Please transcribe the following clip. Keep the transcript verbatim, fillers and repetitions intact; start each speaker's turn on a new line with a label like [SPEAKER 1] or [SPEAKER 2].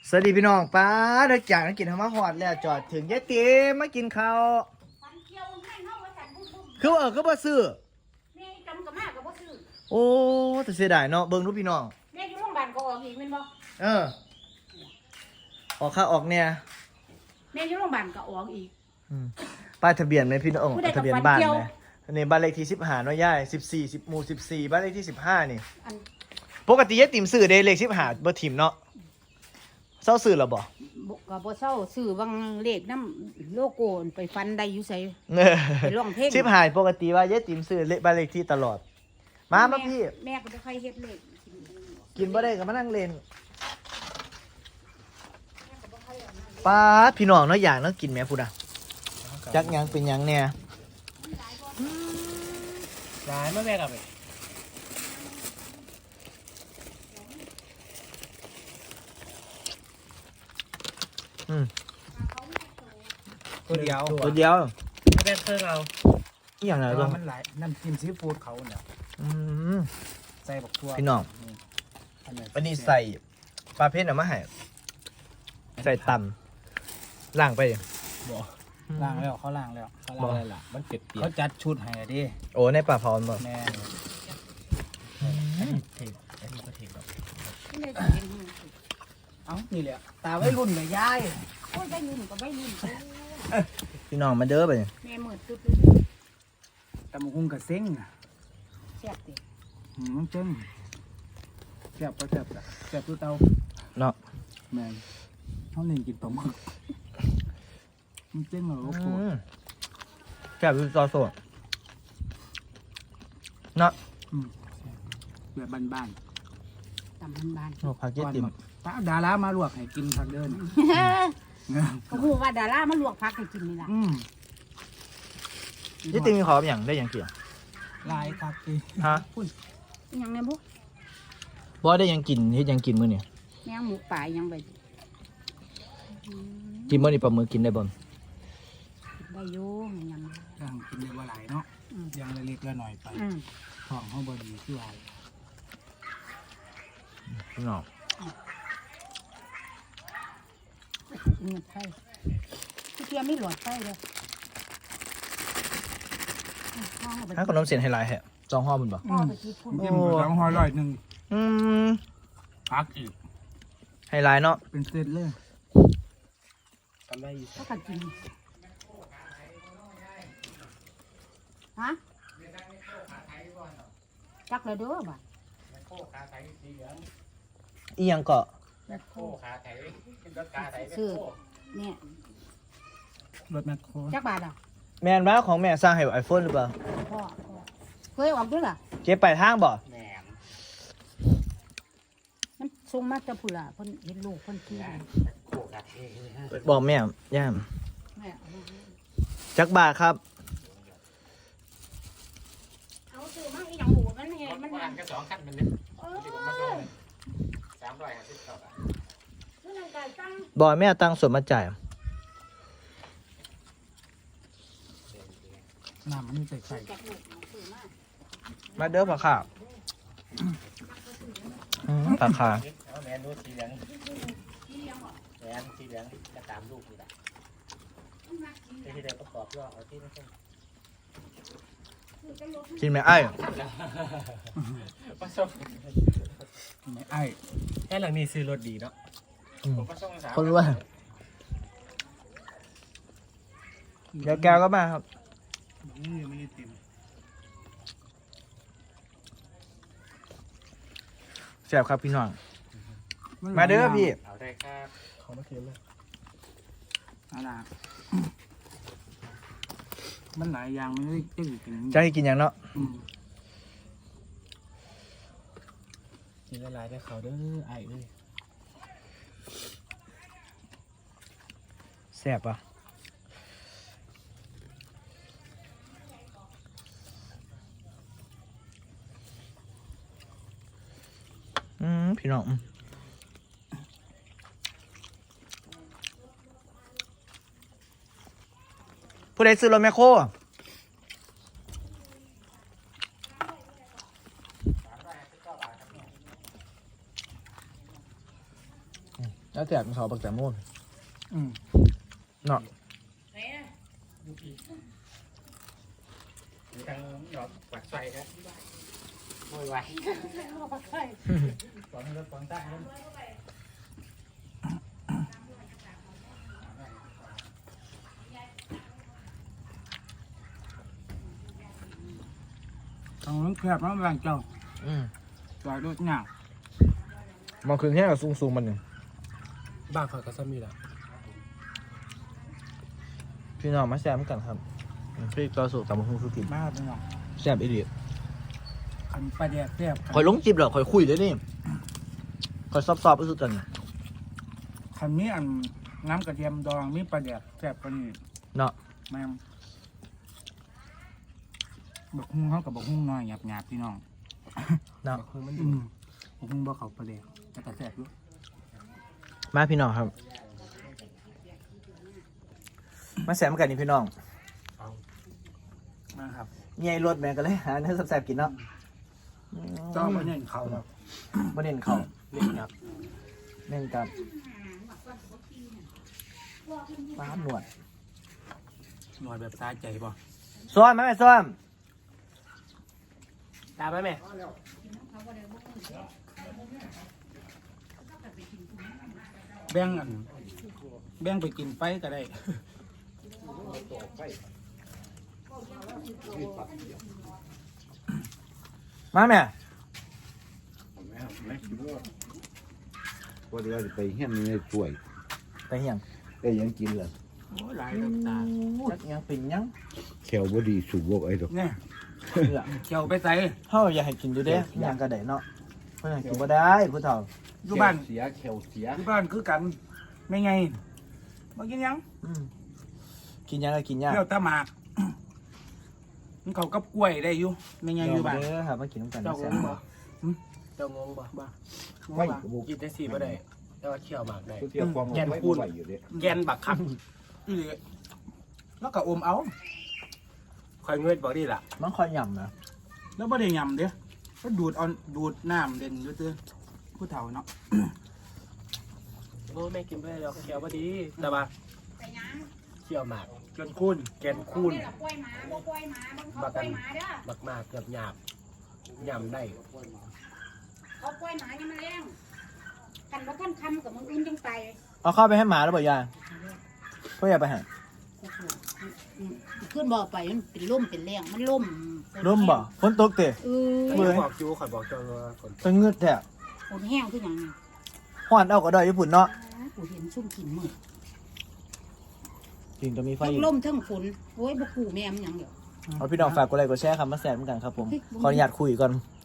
[SPEAKER 1] สวัสดีพี่น้องป้าเด็กจากนักกินธรรมะหอดแล้วจอดถึงยายเตี๋มมากินข้าวคือเออก็บ่ซื้อโอ้แต่เสียดายเนาะเบิ่งรูปพี่น้อง
[SPEAKER 2] แม่อยู่โรงพยาบาลก็ออกอีกแม่นบ่
[SPEAKER 1] เออออกข้าออกเนี่ย
[SPEAKER 2] แม่อยู่โรงพยาบาลก็ออกอีก
[SPEAKER 1] ป้ายทะเบียนไหมพี่น้องทะเบียนบ้านไหมนี่บ้านเลขที่สิบห้าเนาะย่ายสิบสี่สิบหมู่สิบสี่บ้านเลขที่สิบห้านี่ปกติยายติ๋มซื้อเด้เลขสิบห้าบ่ถิ่มเนาะเศร้าซื้อหรอบ่
[SPEAKER 2] ก็บ่เศร้าซื้อบางเลขน้ำโลโก้ไปฟันได้อยู่ไสไปร้องเพลง
[SPEAKER 1] สิบห้าปกติว่ายายติ๋มซื้อเลขบ้านเลขที่ตลอดมามาพี่
[SPEAKER 2] แม่ก็บ่ค่อยเฮ็ดเลข
[SPEAKER 1] กินบ่ได้ก็มานั่งเล่นป้าพี่น้องเนาะอย่างเนาะกินแม่พูดอ่ะจักยังเป็นยังเนี่ย
[SPEAKER 3] ร้ายมาแม่กับไป
[SPEAKER 1] อืม
[SPEAKER 3] ตัวเดียว
[SPEAKER 1] ตัวเดียว
[SPEAKER 3] ไม่แบ่งเครื่องเรา
[SPEAKER 1] อีอย่างไรบ้าง
[SPEAKER 3] มันหลายน้ำจิ้มซีฟู้ดเขาเนี่ย
[SPEAKER 1] อืม
[SPEAKER 3] ใส่บักทั่ว
[SPEAKER 1] พี่น้องวันนี้ใส่ปลาเพ็ดเอามาให้ใส่ตำล่างไป
[SPEAKER 3] บ่ล่างแล้วเขาล่างแล้วเขาล่างอะไรล่ะมันเปียกเขาจัดชุดให้ดิ
[SPEAKER 1] โอ้ในปลาพรบ่
[SPEAKER 3] แม่เทกอันนี้ก็เทกแบบเอ้านี่แหละตาไว้รุ่นเลยยาย
[SPEAKER 2] โอ้ยได้รุ่นก็ได้รุ่น
[SPEAKER 1] พี่น้องมาเด้อไป
[SPEAKER 2] แม่มืดตึ๊ด
[SPEAKER 3] ตำหุ้งกับเซ้ง
[SPEAKER 2] แซ่บดิ
[SPEAKER 3] หืมเจ้งแซ่บก็แซ่บแซ่บตัวเตา
[SPEAKER 1] เนาะ
[SPEAKER 3] แม่เขาเล่นกินปลาหมึกมันเจ้งเหรอโอ้โห
[SPEAKER 1] แซ่บคือซอสสดเนาะ
[SPEAKER 3] แบบบ้าน
[SPEAKER 2] ๆตำบ้าน
[SPEAKER 1] ๆโอ้ผักเจี๊ยบติ่ม
[SPEAKER 3] ป้าดารามาลวกให้กินผักเดิน
[SPEAKER 2] เขาพูดว่าดารามาลวกผักให้กินนี่ล่ะ
[SPEAKER 1] เจี๊ยบติ่มมีขออย่างได้อย่างเกี่ยว
[SPEAKER 3] ลายครับกิ
[SPEAKER 1] ฮะ
[SPEAKER 2] พูดยังไงบุ๊
[SPEAKER 1] บ่ได้ยังกินเฮ็ดยังกินมื้อนี่
[SPEAKER 2] แมงหมูป่ายังไป
[SPEAKER 1] กินมื้อนี่ปลาหมึกกินได้บ่
[SPEAKER 2] ได้อยู่ยัง
[SPEAKER 3] ยังกินได้ว่าหลายเนาะยังเล็กๆละหน่อยไปของเขาบดีที่ว่า
[SPEAKER 1] พี่น้อง
[SPEAKER 2] เงินไทยที่เทียมไม่หลอดไทยเลย
[SPEAKER 1] ถ้าขนมเส้นไฮไลท์แฮะจองห่อมันบ่
[SPEAKER 3] อืมจิ้มสองห่อร้อยหนึ่ง
[SPEAKER 1] อืม
[SPEAKER 3] พักอีก
[SPEAKER 1] ไฮไลท์เนาะ
[SPEAKER 3] เป็นเซตเลยทำได้อยู่
[SPEAKER 2] ก็ขัดกินฮะจักเลยเด้อบ่
[SPEAKER 1] อีหยังเกาะ
[SPEAKER 3] แมคโครขาไถรถขาไถ
[SPEAKER 2] ซื้อเนี่ย
[SPEAKER 3] รถแมคโคร
[SPEAKER 2] จักบาทอ่ะ
[SPEAKER 1] แม่นว่าของแม่สร้างให้ไอโฟนหรือเปล่า
[SPEAKER 2] พ่อเคยออกด้วยล่ะ
[SPEAKER 1] เก็บไปทางบ่
[SPEAKER 3] แม่
[SPEAKER 2] มันส่งมาจะผู้ล่ะเพิ่นเห็นลูกเพิ่นขี่
[SPEAKER 1] บอกแม่ย่ามจักบาทครับ
[SPEAKER 2] เอาซื้อมาอีหยังหูมันเห็นมัน
[SPEAKER 3] มันก็สองคันมันเนี่ยสามร้อยห้าสิบเก้าบาท
[SPEAKER 1] บอกแม่ตังส่วนมาจ่าย
[SPEAKER 3] น้ำมันใส่ใส่
[SPEAKER 1] มาเด้อผักขาผักขา
[SPEAKER 3] แมนดูสีเหลืองแมนสีเหลืองจะตามลูกอยู่ละที่เดียวประกอบว่าเอาที่ไม่ใช่
[SPEAKER 1] กินไหมไอ้
[SPEAKER 3] ไม่ไอ้แค่หลังนี้ซื้อรถดีเนาะ
[SPEAKER 1] คนรู้ว่าเดี๋ยวแกก็มาครับแซ่บครับพี่น้องมาเด้อพี่
[SPEAKER 3] เอาได้ครับขอมาเทียมเลยอะไรมันหลายอย่างไม่ได้จะกิน
[SPEAKER 1] จะให้กินอย่างเนาะ
[SPEAKER 3] กินหลายได้เขาเด้อไอ้เลย
[SPEAKER 1] แซ่บปะอืมพี่น้องผู้ใดซื้อรถแมคโครแล้วแจกเขาปักแตงโม
[SPEAKER 3] อืม
[SPEAKER 1] เนาะ
[SPEAKER 3] ทางหยอดปักไฟครับโวยวายฟังแล้วฟังใต้ครับ
[SPEAKER 4] ทางนั้นแคบแล้วแรงเจ้า
[SPEAKER 1] อืม
[SPEAKER 4] จอดรถหนัก
[SPEAKER 1] มองคืนแค่กับซูงๆมันหนึ่ง
[SPEAKER 4] บ้านเขาก็ซ้ำมีแหละ
[SPEAKER 1] พี่น้องมาแซมกันครับพี่ต่อสู่ตำบักหุ่งสุกิน
[SPEAKER 4] มากพี่น้อง
[SPEAKER 1] แซมอีเดีย
[SPEAKER 4] ขันปลาแดกแซ่บ
[SPEAKER 1] คอยลงจิบเหรอคอยคุยเลยนี่คอยซอบๆไปสุดจัน
[SPEAKER 4] ขันนี้อันน้ำกระเทียมดองมีปลาแดกแซ่บกว่านี้
[SPEAKER 1] เนาะ
[SPEAKER 4] แม่มบักฮุ้งเขากับบักฮุ้งน้อยหยาบหยาบๆพี่น้อง
[SPEAKER 1] เนาะ
[SPEAKER 4] บักฮุ้งมันอืมบักฮุ้งบ่เขาปลาแดกแต่ก็แซ่บอยู่
[SPEAKER 1] มาพี่น้องครับ มาแซมกันนี่พี่น้อง
[SPEAKER 4] มาครับ
[SPEAKER 1] เงี้ยรถแม่กันเลยหาเนื้อแซ่บๆกินเนาะ
[SPEAKER 4] เจ้าไม่เน้นเขาหรอก
[SPEAKER 1] มาเน้นเขาเน้นครับเน้นกับปลาหนวด
[SPEAKER 4] หน่วยแบบสาใจป่ะ
[SPEAKER 1] ซ้อมไหมแม่ซ้อม
[SPEAKER 3] ตามไหมแม่
[SPEAKER 4] แบ่งอันแบ่งไปกินไปก็ได้
[SPEAKER 1] มาแม่
[SPEAKER 5] ว่าเดี๋ยวจะไปเฮี้ยนนี่ช่วย
[SPEAKER 1] ไปเหียง
[SPEAKER 5] ได้หยังกินล่ะ
[SPEAKER 4] โอ้ยหลายน้ำตา
[SPEAKER 1] จักยังเป็นยัง
[SPEAKER 5] แขวบ่ดีสูบบ่ไอ้ดอก
[SPEAKER 4] เนี่ย
[SPEAKER 1] เลือ
[SPEAKER 4] เขียวไปใส่
[SPEAKER 1] เฮาอยากให้กินอยู่เด้หยังก็ได้เนาะเพิ่นให้กินบ่ได้ผู้เฒ่า
[SPEAKER 4] อยู่บ้าน
[SPEAKER 5] เสียแขวเสีย
[SPEAKER 4] อยู่บ้านคือกันไม่ไงมากินยัง
[SPEAKER 1] อืมกินยังก็กินยาก
[SPEAKER 4] เที่ยวตะหมาก มันเขากับกล้วยได้อยู่ไม่ไงอยู่บ้าน
[SPEAKER 1] เด้อครับมากินน้ำกัน
[SPEAKER 3] เจ้า
[SPEAKER 1] แซ่
[SPEAKER 3] ง
[SPEAKER 1] บ
[SPEAKER 3] งบ่เจ้างงบ่
[SPEAKER 4] บ้า
[SPEAKER 5] ไม่กระบุก
[SPEAKER 3] กินได้สี่บ่ได้แต่ว่าเคี่ยวหมากได้
[SPEAKER 5] เที่ยวความ
[SPEAKER 3] แกน
[SPEAKER 5] ไว้
[SPEAKER 3] คูณ
[SPEAKER 5] ไว้อยู่เด้
[SPEAKER 3] แกนบักคัก
[SPEAKER 4] อีหลีแล้วก็อมเอา
[SPEAKER 3] คอยเงยบอกดีล่ะ
[SPEAKER 1] มันค่อยย่ำนะ
[SPEAKER 4] แล้วไม่ได้ยำเด้อก็ดูดเอาดูดน้ำเด่นอยู่เตื้อผู้เฒ่าเนาะ
[SPEAKER 3] โอ้แม่กินไปแล้วเคี่ยวบ่ดีแต่ว่าเคี่ยวหมาก
[SPEAKER 4] จนคุ้น
[SPEAKER 3] แกนคูณ
[SPEAKER 2] กล้วยหมาบ่กล้วยหมาบ่เขากล้วยหมาเด้อ
[SPEAKER 3] บักมากเกือบหยาบยำได้
[SPEAKER 2] เขากล้วยหมายังมาแรงกันบ่ทันคำกับมึงอื่นจังไป
[SPEAKER 1] เอาเข้าไปให้หมาแล้วบ่ยายเพื่ออย่าไปหา
[SPEAKER 2] ขึ้นบ่อไปมันเป็นล่มเป็นแรงมันล่ม
[SPEAKER 1] ร่มบ่ฝนตกเตะ
[SPEAKER 2] เออ
[SPEAKER 1] เบื่อ
[SPEAKER 3] บอกจูข่อยบอกเจ้าว่าคน
[SPEAKER 1] จะงืดแท้
[SPEAKER 2] ฝนแห้งคือหยังนี่
[SPEAKER 1] ฮอดเอาก็ได้ญี่ปุ่นเนาะ
[SPEAKER 2] กูเห็นซุ่มกินมืด
[SPEAKER 1] จริงจะมีไฟ
[SPEAKER 2] ทั้
[SPEAKER 1] อี
[SPEAKER 2] ง
[SPEAKER 1] ก
[SPEAKER 2] ล่มทั้งฝนโอ้ยบ่กูแม่มันหยังเดี๋ยว
[SPEAKER 1] เอาพี่น้องฝากกดไลค์กดแชร์ครับมาแซมกันครับผมขออนุญาตคุยก่อน